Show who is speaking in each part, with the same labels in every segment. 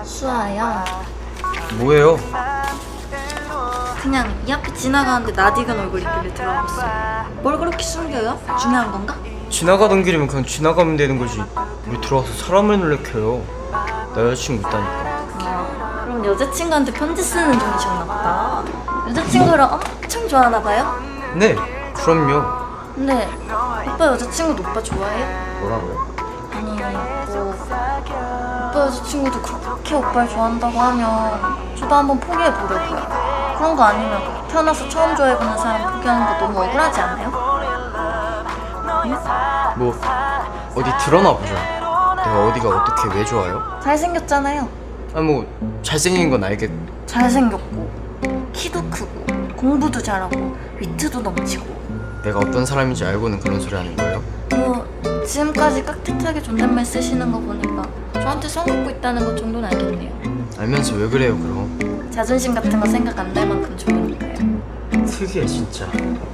Speaker 1: 수아야,
Speaker 2: 뭐예요?
Speaker 1: 그냥 이 앞에 지나가는데 낯익은 얼굴 있길래 들어봤어. 뭘 그렇게 숨겨요? 중요한 건가?
Speaker 2: 지나가던 길이면 그냥 지나가면 되는 거지. 왜 들어와서 사람을 놀래켜요? 나 여자친구 있다니까.
Speaker 1: 그럼 여자친구한테 편지 쓰는 중이셨나 보다. 여자친구를 엄청 좋아하나 봐요?
Speaker 2: 네, 그럼요.
Speaker 1: 근데 오빠 여자친구도 오빠 좋아해요?
Speaker 2: 뭐라고요?
Speaker 1: 아니 뭐 오빠 여자친구도 그렇게 오빠를 좋아한다고 하면 저도 한번 포기해보려고요. 그런 거 아니면 태어나서 처음 좋아해보는 사람 포기하는 거 너무 억울하지 않아요?
Speaker 2: 뭐 어디 드러나 보자. 내가 어디가 어떻게 왜 좋아요?
Speaker 1: 잘생겼잖아요.
Speaker 2: 아 뭐 잘생긴 건 알겠고.
Speaker 1: 잘생겼고 키도 크고 공부도 잘하고 위트도 넘치고
Speaker 2: 내가 어떤 사람인지 알고는 그런 소리 하는 거예요?
Speaker 1: 뭐 지금까지 깍듯하게 존댓말 쓰시는 거 보니까 저한테 성 긋고 있다는 것 정도는 알겠네요.
Speaker 2: 알면서 왜 그래요 그럼?
Speaker 1: 자존심 같은 거 생각 안 날 만큼 좋으니까요.
Speaker 2: 특이해 진짜.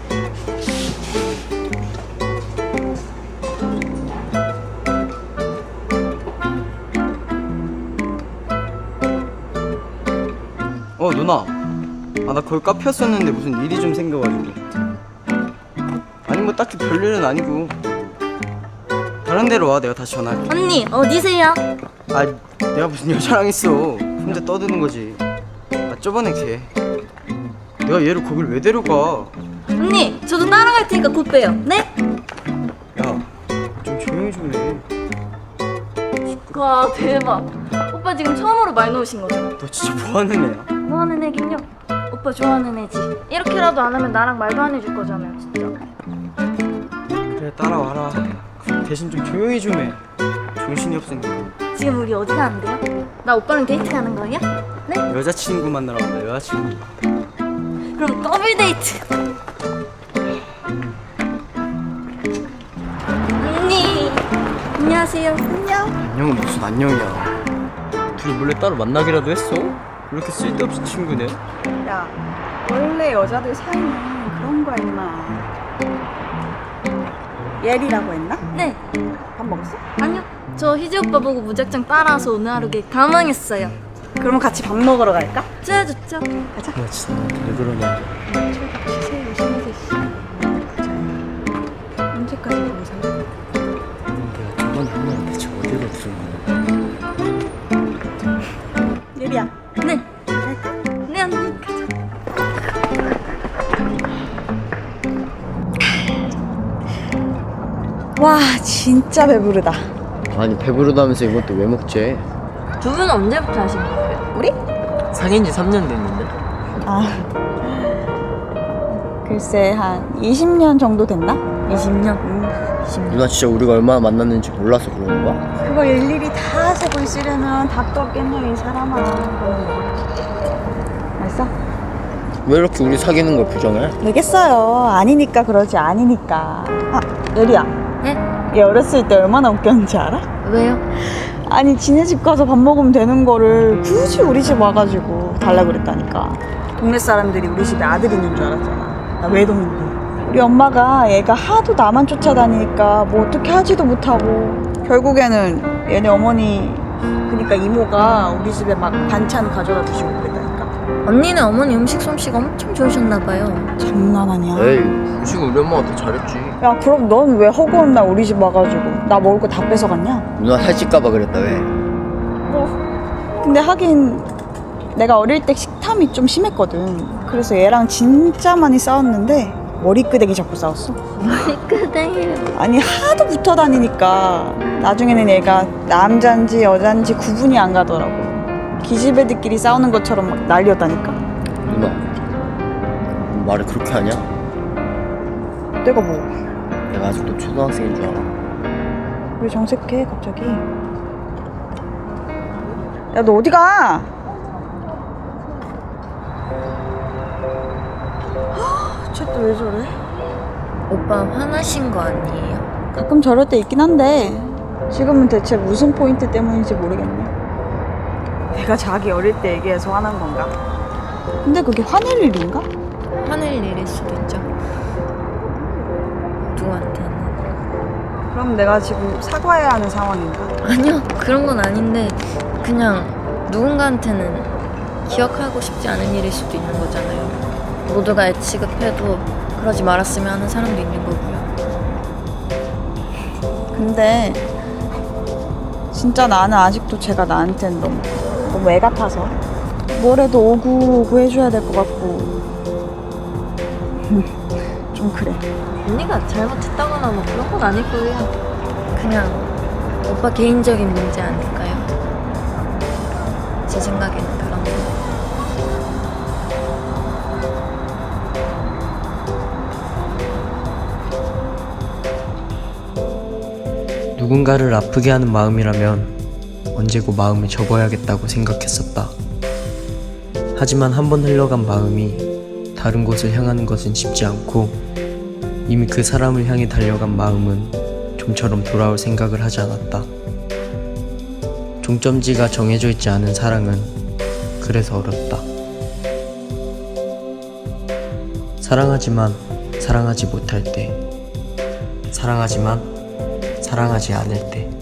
Speaker 2: 누나, 나 거기 카페였었는데 무슨 일이 좀 생겨가지고. 아니 뭐 딱히 별일은 아니고. 다른 데로 와, 내가 다시 전화할게.
Speaker 1: 언니 어디세요?
Speaker 2: 내가 무슨 여자랑 있어. 혼자 떠드는 거지. 저번에 걔. 내가 얘를 거길 왜 데려가?
Speaker 1: 언니 저도 따라갈 테니까 곧 봬요. 네?
Speaker 2: 야, 좀 조용히 좀 해.
Speaker 1: 와 대박. 오빠 지금 처음으로 말 놓으신 거죠?
Speaker 2: 너 진짜 뭐 하는 애야?
Speaker 1: 뭐 하는 애긴요? 오빠 좋아하는 애지. 이렇게라도 안 하면 나랑 말도 안 해줄 거잖아요 진짜.
Speaker 2: 그래, 따라와라. 대신 좀 조용히 좀 해. 정신이 없으니까.
Speaker 1: 지금 우리 어디 가는데요? 나 오빠랑 데이트 가는 거예요? 네?
Speaker 2: 여자친구 만나러 간다, 여자친구.
Speaker 1: 그럼 더블 데이트. 언니 안녕하세요. 안녕.
Speaker 2: 안녕은 무슨 안녕이야. 둘이 몰래 따로 만나기라도 했어? 왜 이렇게 쓸데없이 친구네?
Speaker 3: 야, 원래 여자들 사이는 그런 거야 임마. 예리라고 했나?
Speaker 1: 네.
Speaker 3: 밥 먹었어?
Speaker 1: 아니요. 저 희재 오빠 보고 무작정 따라와서 오늘 하루 개 가망했어요.
Speaker 3: 그러면 같이 밥 먹으러 갈까?
Speaker 1: 좋아 좋죠.
Speaker 3: 가자.
Speaker 2: 나 진짜 왜 그러냐.
Speaker 3: 시세 요즘에 씨. 가자. 언제까지 보고 살아?
Speaker 2: 내가 저번에 한 말은 대체 어디로 들은 거야?
Speaker 3: 예리야.
Speaker 1: 네.
Speaker 3: 갈까?
Speaker 1: 네 언니 가자.
Speaker 3: 와, 진짜 배부르다.
Speaker 2: 아니 배부르다면서 이것도 왜 먹지?
Speaker 1: 두 분은 언제부터 하신 거예요?
Speaker 3: 우리?
Speaker 2: 사귄 지 3년 됐는데?
Speaker 3: 아, 글쎄 한 20년 정도 됐나?
Speaker 1: 20년? 20년.
Speaker 2: 누나 진짜 우리가 얼마나 만났는지 몰라서 그러는 거야?
Speaker 3: 그거 일일이 다 세고 있으려면 답도 없겠네 이 사람아. 알았어?
Speaker 2: 왜 이렇게 우리 사귀는 걸 부정해?
Speaker 3: 되겠어요. 아니니까 그러지 아니니까. 아, 예리야.
Speaker 1: 네?
Speaker 3: 얘 어렸을 때 얼마나 웃겼는지 알아?
Speaker 1: 왜요?
Speaker 3: 아니 지네 집 가서 밥 먹으면 되는 거를 굳이 우리 집 와가지고 달라 그랬다니까. 동네 사람들이 우리 집에 아들 있는 줄 알았잖아. 나 외동인데. 우리 엄마가 얘가 하도 나만 쫓아다니니까 뭐 어떻게 하지도 못하고 결국에는 얘네 어머니 그러니까 이모가 우리 집에 막 반찬 가져다 주시고 그랬다니까.
Speaker 1: 언니는 어머니 음식 솜씨가 엄청 좋으셨나 봐요.
Speaker 3: 장난 아니야.
Speaker 2: 에이 음식은 우리 엄마가 더 잘했지.
Speaker 3: 야 그럼 넌 왜 허구한 날 우리 집 와가지고 나 먹을 거 다 뺏어갔냐?
Speaker 2: 누나 살찔까봐 그랬다 왜?
Speaker 3: 근데 하긴 내가 어릴 때 식탐이 좀 심했거든. 그래서 얘랑 진짜 많이 싸웠는데 머리끄댕이 잡고 싸웠어.
Speaker 1: 머리끄댕이.
Speaker 3: 아니 하도 붙어 다니니까 나중에는 얘가 남잔지 여잔지 구분이 안 가더라고. 기집애들끼리 싸우는 것처럼 막 난리였다니까.
Speaker 2: 누나 말을 그렇게 하냐?
Speaker 3: 내가 뭐 왜
Speaker 2: 내가 아직도 초등학생인 줄 알아?
Speaker 3: 정색해 갑자기. 야 너 어디 가? 쟤 또 왜 저래?
Speaker 1: 오빠 화나신 거 아니에요?
Speaker 3: 가끔 저럴 때 있긴 한데 지금은 대체 무슨 포인트 때문인지 모르겠네. 내가 자기 어릴 때 얘기해서 화난 건가? 근데 그게 화낼 일인가?
Speaker 1: 화낼 일일 수도 있죠. 누구한테는.
Speaker 3: 그럼 내가 지금 사과해야 하는 상황인가?
Speaker 1: 아니요 그런 건 아닌데 그냥 누군가한테는 기억하고 싶지 않은 일일 수도 있는 거잖아요. 모두가 애취급해도 그러지 말았으면 하는 사람도 있는 거고요.
Speaker 3: 근데 진짜 나는 아직도 제가 나한테는 너무 애 같아서 뭐래도 오구 해줘야 될 것 같고 좀 그래.
Speaker 1: 언니가 잘못했다거나 뭐 그런 건 아니고요. 그냥 오빠 개인적인 문제 아닐까요? 제 생각에는 그런 거.
Speaker 4: 누군가를 아프게 하는 마음이라면 언제고 마음을 접어야겠다고 생각했었다. 하지만 한 번 흘러간 마음이 다른 곳을 향하는 것은 쉽지 않고 이미 그 사람을 향해 달려간 마음은 좀처럼 돌아올 생각을 하지 않았다. 종점지가 정해져 있지 않은 사랑은 그래서 어렵다. 사랑하지만 사랑하지 못할 때, 사랑하지만 사랑하지 않을 때.